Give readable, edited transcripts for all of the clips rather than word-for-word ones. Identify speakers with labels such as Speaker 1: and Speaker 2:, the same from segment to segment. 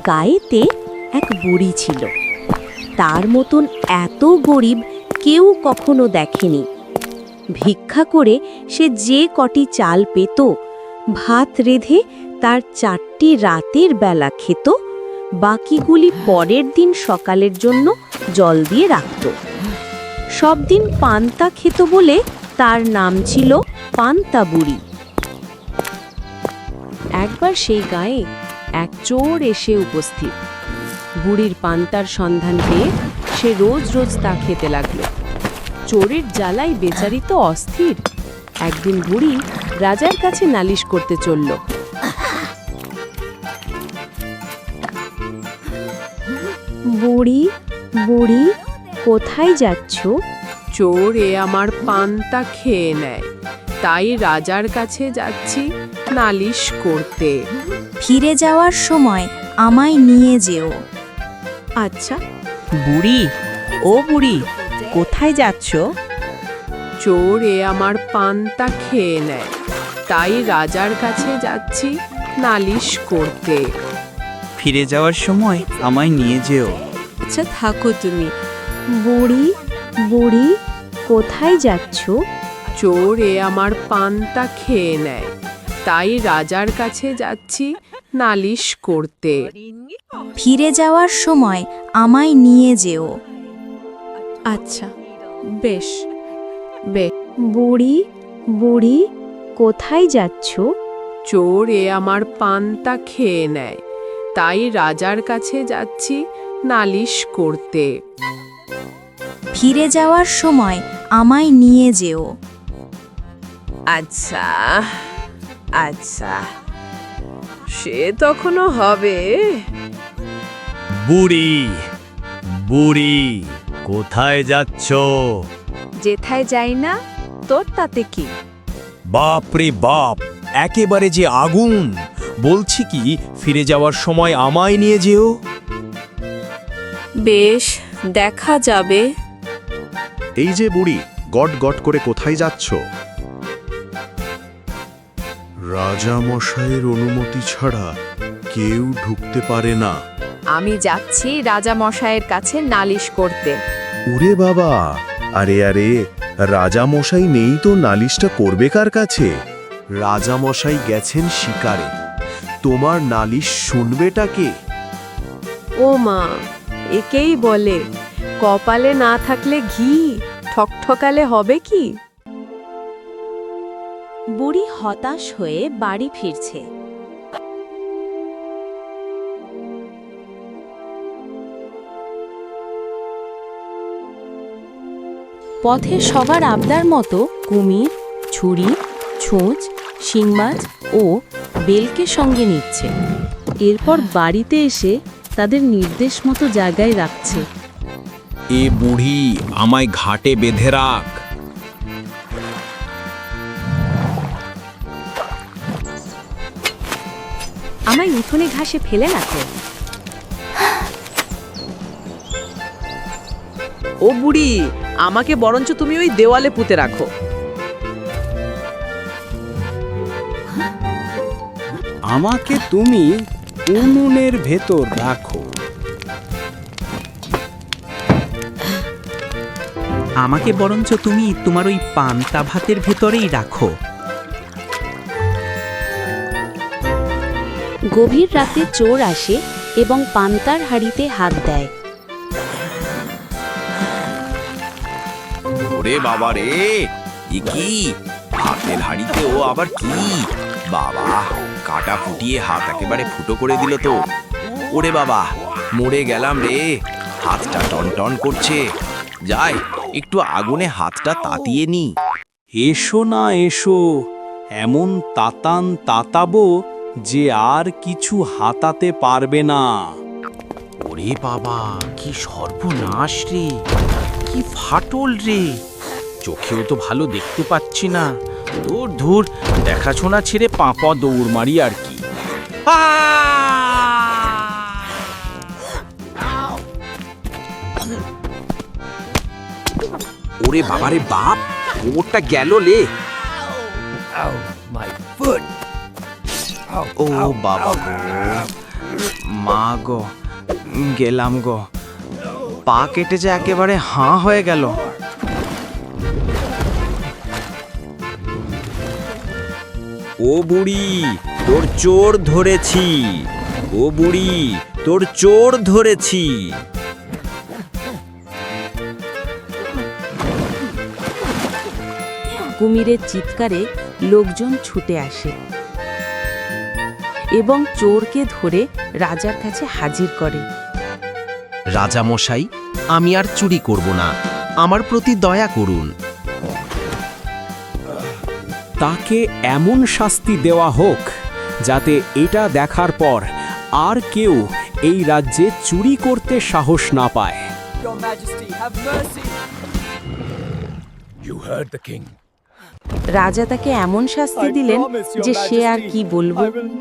Speaker 1: গায়েতে এক বুড়ি ছিল। তার মতন এত গরিব কেউ কখনো দেখেনি। ভিক্ষা করে সে যে কটি চাল পেত, ভাত রেঁধে তার 4টি রাতের বেলা খেত, বাকিগুলি পরের দিন সকালের জন্য জল দিয়ে রাখত। সব দিন পান্তা খেত বলে তার নাম ছিল পান্তা বুড়ি। একবার সেই গায়ে এক চোর এসে উপস্থিত। বুড়ির পান্তার সন্ধান পেয়ে সে রোজ রোজ তা খেতে লাগল। চোরের জ্বালায় বেচারি তো অস্থির। একদিন বুড়ি রাজার কাছে নালিশ করতে চলল। বুড়ি, বুড়ি, কোথায় যাচ্ছ?
Speaker 2: চোর আমার পান্তা খেয়ে নেয়, তাই রাজার কাছে যাচ্ছি নালিশ করতে।
Speaker 3: ফিরে যাওয়ার সময় আমায় নিয়ে যেও।
Speaker 1: আচ্ছা।
Speaker 4: বুড়ি, ও বুড়ি, কোথায় যাচ্ছ?
Speaker 2: চোর আমার পান্তা খেয়ে নেয়, তাই রাজার কাছে যাচ্ছি নালিশ করতে।
Speaker 4: ফিরে যাওয়ার সময় আমায় নিয়ে যেও।
Speaker 1: আচ্ছা, থাকো তুমি। বুড়ি, বুড়ি, কোথায় যাচ্ছ?
Speaker 2: চোর আমার পান্তা খেয়ে নেয়, তাই রাজার কাছে যাচ্ছি নালিশ করতে।
Speaker 3: ফিরে যাওয়ার সময় আমায় নিয়ে যেও।
Speaker 1: আচ্ছা, বেশ বেশ। বুড়ি, বুড়ি, কোথায় যাচ্ছ?
Speaker 2: চোর আমার পান্তা খেয়ে নেয়, তাই রাজার কাছে যাচ্ছি নালিশ করতে।
Speaker 3: ফিরে যাওয়ার সময় আমায় নিয়ে যেও।
Speaker 2: আচ্ছা আচ্ছা, সে তখনও হবে।
Speaker 5: বুড়ি, বুড়ি, কোথায় যাচ্ছ?
Speaker 1: যেথায় যাই না, তোর তাতে কি?
Speaker 5: বাপ রে বাপ, একেবারে যে আগুন! বলছি কি, ফিরে যাওয়ার সময় আমায় নিয়ে যেও।
Speaker 1: বেশ, দেখা যাবে।
Speaker 6: এই যে বুড়ি, গট গট করে কোথায় যাচ্ছ? রাজা মশাইয়ের অনুমতি ছাড়া কেউ ঢুকতে পারে না।
Speaker 1: আমি যাচ্ছি রাজা মশাইয়ের কাছে নালিশ করতে।
Speaker 6: ওরে বাবা, আরে আরে, রাজা মশাই নেই তো নালিশটা করবে কার কাছে? রাজা মশাই গেছেন শিকারে, তোমার নালিশ শুনবেটা কে?
Speaker 1: ও মা, একেই বলে কপালে না থাকলে ঘি, ঠকঠকালে হবে কি? বুড়ি হতাশ হয়ে বাড়ি ফিরছে। পথে সবার আবদার মতো কুমির, ছুরি, ছুঁচ, শিংমাছ ও বেলকে সঙ্গে নিচ্ছে। এরপর বাড়িতে এসে তাদের নির্দেশ মতো জায়গায় রাখছে।
Speaker 5: এ বুড়ি, আমায় ঘাটে বেঁধে রাখ।
Speaker 1: আমায় উঠোনে ঘাসে ফেলে রাখো।
Speaker 7: ও বুড়ি, আমাকে বরঞ্চ তুমি ওই দেওয়ালে পুঁতে রাখো।
Speaker 8: আমাকে তুমি উনুনের ভেতর রাখো।
Speaker 4: আমাকে বরঞ্চ তুমি তোমার ওই পান্তা ভাতের ভেতরেই রাখো।
Speaker 1: গভীর রাতে চোর আসে এবং পান্তার হাঁড়িতে হাত দেয়।
Speaker 5: ওরে বাবা রে, এ কি? হাতের হাড়িতে ও আবার কি? বাবা, কাটা ফুটিয়ে হাত একেবারে ফুটো করে দিল তো। ওরে বাবা, মরে গেলাম রে, হাতটা টনটন করছে। যাই, একটু আগুনে হাতটা তাতিয়ে নি।
Speaker 8: এসো না এসো, এমন তাতান তাতাবো যে আর কিছু হাতাতে পারবে না।
Speaker 9: ওরে বাবা, কি সর্বনাশ রে, কি ফাটল রে! চোখেও তো ভালো দেখতে পাচ্ছি না। ধুর ধুর, দেখাশোনা ছেড়ে পাঁপা দৌড় মারি আর কি।
Speaker 5: ওরে বাবারে বাপ, কোমরটা গেল লে। ও বাবা গো,
Speaker 9: মা গো, গেলাম গো, পা কেটে যে একেবারে হাঁ হয়ে গেল।
Speaker 5: ও বুড়ি, তোর চোর ধরেছি। ও বুড়ি, তোর চোর ধরেছি।
Speaker 1: কুমিরের চিৎকারে লোকজন ছুটে আসে এবং চোরকে ধরে রাজার কাছে হাজির করে।
Speaker 10: রাজামশাই, আমি আর চুরি করব না, আমার প্রতি দয়া করুন।
Speaker 8: তাকে এমন শাস্তি দেওয়া হোক যাতে এটা দেখার পর আর কেউ এই রাজ্যে চুরি করতে সাহস না পায়।
Speaker 1: রাজা তাকে এমন শাস্তি দিলেন যে সে আর কি বলবো।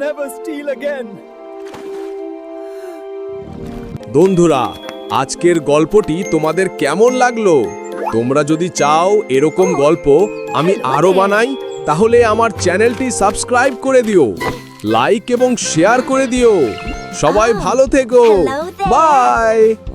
Speaker 11: বন্ধুরা, আজকের গল্পটি তোমাদের কেমন লাগলো? তোমরা যদি চাও এরকম গল্প আমি আরো বানাই, তাহলে আমার চ্যানেলটি সাবস্ক্রাইব করে দিও, লাইক এবং শেয়ার করে দিও। সবাই ভালো থেকো, বাই।